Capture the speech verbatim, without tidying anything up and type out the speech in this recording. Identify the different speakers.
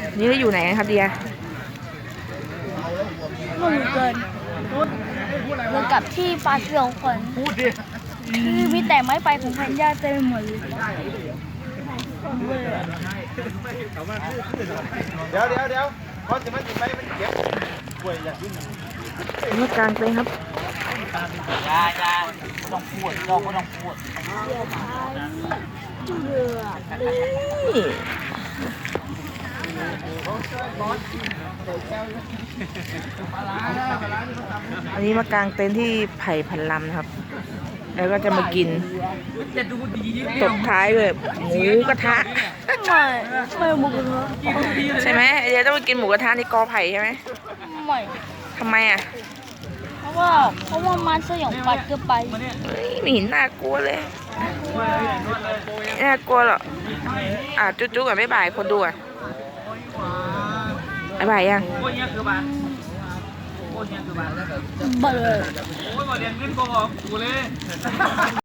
Speaker 1: นี่เราอยู่ไหนกันครับเดีย
Speaker 2: หนุ่มเกินเหมือนกับที่ปลาเกลียวคนคือมีแต่ไม้ไปของพันยาเต็มหมดเลย
Speaker 3: เดี๋ยวเดี๋ยวเดี๋ยวพอจะมันติดไปมันเก็บป่วยอย่างนี้
Speaker 1: นี่กลางเต็นท์ครับ
Speaker 3: ยายาไม่ต้องพูดเราไม่ต้องพูด
Speaker 1: นี่อันนี้มากางเต็นท์ที่ไผ่พันลำนะครับ แล้วก็จะมากินตบท้ายเลยหมูกระทะ
Speaker 2: ไม่ไม่หมูกระทะ
Speaker 1: ใช่ไหมเดี๋ยวต้องไปกินหมูกระทะในกอไผ่ใช่ไหม
Speaker 2: ไม่
Speaker 1: ทำไมอ่ะ
Speaker 2: เพราะว่าเพราะว่ามันสยองปัดเกินไป
Speaker 1: เฮ้ยไม่เห็นน่ากลัวเลยไม่น่ากลัวหรอกอ่ะจุ๊จุ๊กับบ๊ายบายคนดูอ่ะบ๊ายบายยัง
Speaker 3: โอ้ยเนี่ยคือบ้านโอ้ยเนี่ยคือบ้าน
Speaker 2: เบลอ
Speaker 3: โอ้ยบ่เรียนเงินก็บอกกูเลย